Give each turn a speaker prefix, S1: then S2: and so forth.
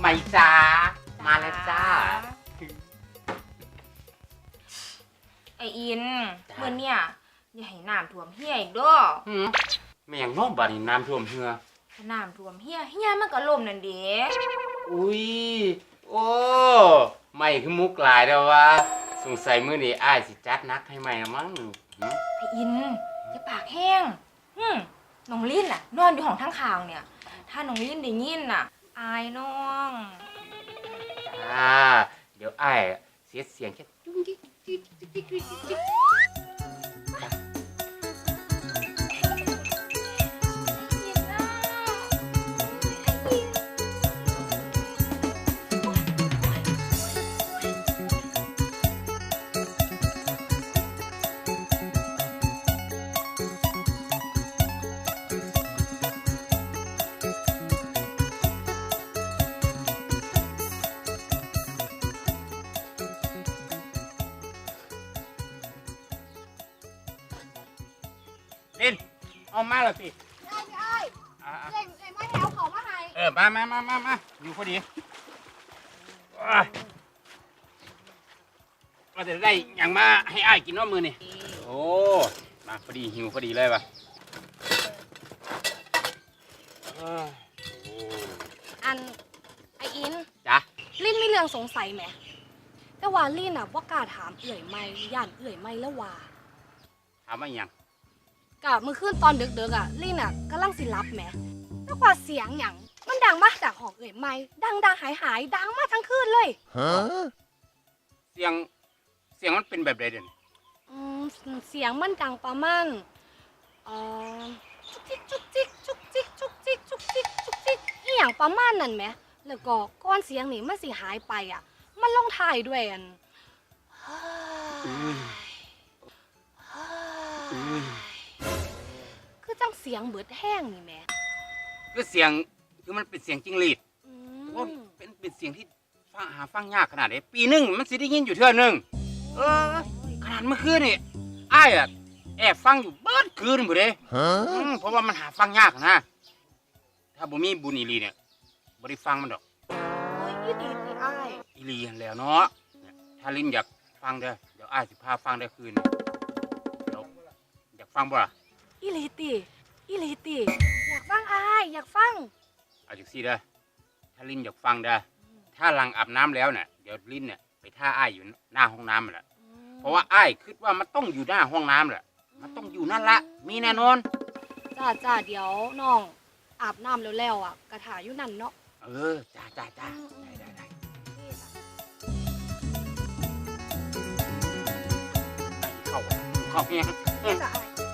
S1: ไม่จ้ามาแล้วจ้า
S2: ไออินเมื่อเนี่ยอย่าให้น้ำท่วมเฮียอีกด้อ
S1: ไม่อย่างน้องบ้านนี่น้ำท่วมเหือ
S2: น้ำท่วมเฮียมันก็ล่มนั่นเด้
S1: อุ้ยโอ้ไม่คือมุกหลายแล้ววะสงสัยมื้อนี้อ้ายสิจัดนักให้ใหม่ละมั้ง
S2: ไออินอย่าปากแห้งน้องลิ้นน่ะนอนอยู่ห้องทั้งข่าวเนี่ยถ้าน้องลิ้นได้ยินน่ะอายน้อง
S1: จ้าเดี๋ยวอ้ายเสียเสียงแค่จุ๊งจิ๊กจิ๊กจิ๊กจิ๊กจิ๊กลินเอามาแล้วสิ
S3: ได้เล่นมาแถวเขามาให้
S1: มาอยู่พอดีเราจะได้อย่างมาให้อ้ายกินว่ามือนี่โอ้มาพอดีหิวพอดีเลยว่ะ
S3: อันไออิน
S1: จ้ะ
S3: ลิ้นมีเรื่องสงสัยไหมแต่ว่าลิ้นน่ะว่ากล้าถามเอื่อยไม่ย่านเอื่อยไม่แล้วว่า
S1: ถามว่าอย่าง
S3: กะเมื่อคืนตอนดึกๆอ่ะลิ้นอ่ะกำลังสิรับแหมแล้วว่าเสียงอย่างมันดังมาจากห้องเอื่อยไม่ดังหายดังมาทั้งคืนเลย
S1: เสียงมันเป็นแบบใดเด่น
S3: เสียงมันดังประมาณจุกจิกจุกจิกจุกจิกจุกจิกจุกจิกจุกจิกอีหยังประมาณนั้นไหมแล้วก็ก้อนเสียงนี่มันสิหายไปอ่ะมันลงท้ายด้วยอันคือจังเสียงเบิดแห้งนี่แม่
S1: คือเสียงคือมันเป็นเสียงจิ้งหรีดว่าเป็นเสียงที่ฟังยากขนาดไหนปีนึงมันสิได้ยินอยู่เท่านึงขนาดเมื่อคืนนี่อ้ายอะแอบฟังอยู่เบิดคืนหมดเลยเพราะว่ามันหาฟังยากนะถ้าบ่มีบุญอีลีเนี่ยบ่ได้ฟังมันดอก
S3: อีลีสิอ้าย
S1: อีลีแล้วเนาะถ้าลิ้นอยากฟังเดี๋ยวอ้ายสิพาฟังได้คืนอยากฟังบ่ล่ะ
S3: อีลีติอยากฟังอ้ายอยากฟัง
S1: เอาจังซี่ถ้าลิ้นอยากฟังถ้าหลังอาบน้ำแล้วเนี่ยเดี๋ยวลิ้นเนี่ยไปท่าอ้ายอยู่หน้าห้องน้ำแหละเพราะว่าอ้ายคิดว่ามันต้องอยู่หน้าห้องน้ำแหละมันต้องอยู่นั่นละมีแน่นอน
S3: จ้าเดี๋ยวน้องอาบน้ำแล้วอ่ะกระถาอยู่นั่นเนาะ
S1: จ้าได้เข้าเนี่ย
S3: จ้า